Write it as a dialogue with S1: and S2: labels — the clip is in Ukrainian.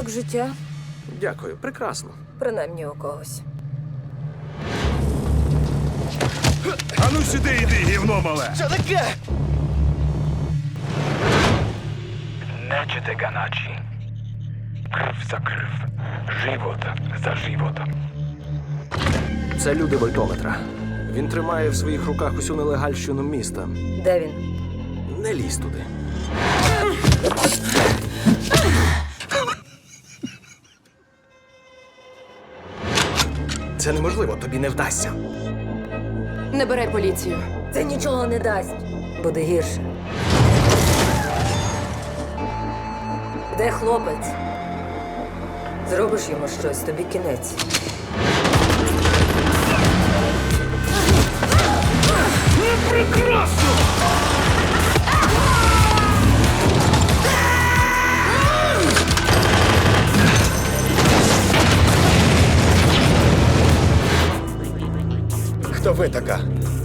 S1: Як життя?
S2: Дякую, прекрасно.
S1: Принаймні у когось.
S3: Ану сюди йди, гівно мале!
S4: Що таке?
S5: Nećete ga naći. Krv za krv. Život za život.
S2: Це люди вольтометра. Він тримає в своїх руках усю нелегальщину міста.
S1: Де він?
S2: Не лізь туди. Це неможливо, тобі не вдасться.
S6: Набирай поліцію.
S1: Це нічого не дасть. Буде гірше. Де хлопець? Зробиш йому щось, тобі кінець.
S3: Прекрасно!
S4: Хто ви така?